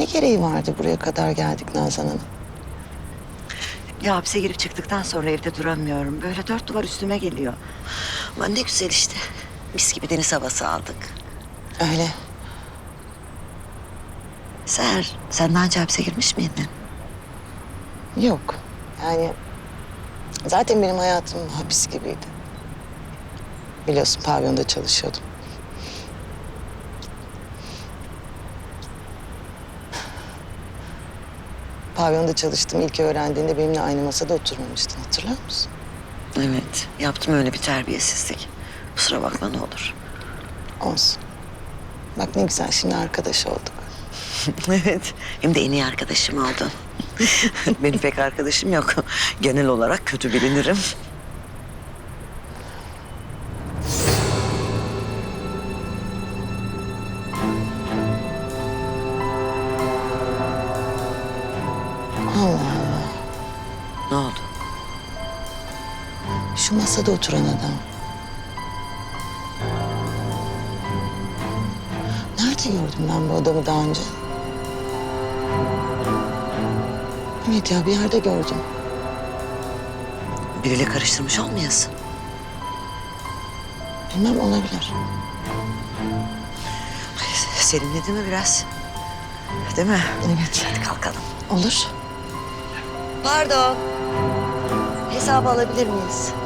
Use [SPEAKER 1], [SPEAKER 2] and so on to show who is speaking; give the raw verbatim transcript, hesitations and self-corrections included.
[SPEAKER 1] Ne gereği vardı buraya kadar geldik Nazan Hanım?
[SPEAKER 2] Ya hapse girip çıktıktan sonra evde duramıyorum. Böyle dört duvar üstüme geliyor. Ama ne güzel işte. Mis gibi deniz havası aldık.
[SPEAKER 1] Öyle.
[SPEAKER 2] Seher, sen daha önce hapse girmiş miydin?
[SPEAKER 1] Yok. Yani zaten benim hayatım hapis gibiydi. Biliyorsun pavyonda çalışıyordum. Pavyonda çalıştım. İlk öğrendiğinde benimle aynı masada oturmamıştın. Hatırlar mısın?
[SPEAKER 2] Evet, yaptım öyle bir terbiyesizlik. Kusura bakma ne olur.
[SPEAKER 1] Olsun. Bak ne güzel şimdi arkadaş olduk.
[SPEAKER 2] Evet, hem de en iyi arkadaşım oldun. Benim pek arkadaşım yok. Genel olarak kötü bilinirim.
[SPEAKER 1] Allah Allah.
[SPEAKER 2] Ne oldu?
[SPEAKER 1] Şu masada oturan adam. Nerede gördüm ben bu adamı daha önce? Evet ya bir yerde gördüm.
[SPEAKER 2] Biriyle karıştırmış olmayasın?
[SPEAKER 1] Bilmem olabilir.
[SPEAKER 2] Serinledi mi biraz? Değil mi?
[SPEAKER 1] Evet.
[SPEAKER 2] Hadi kalkalım.
[SPEAKER 1] Olur.
[SPEAKER 2] Pardon. Hesabı alabilir miyiz?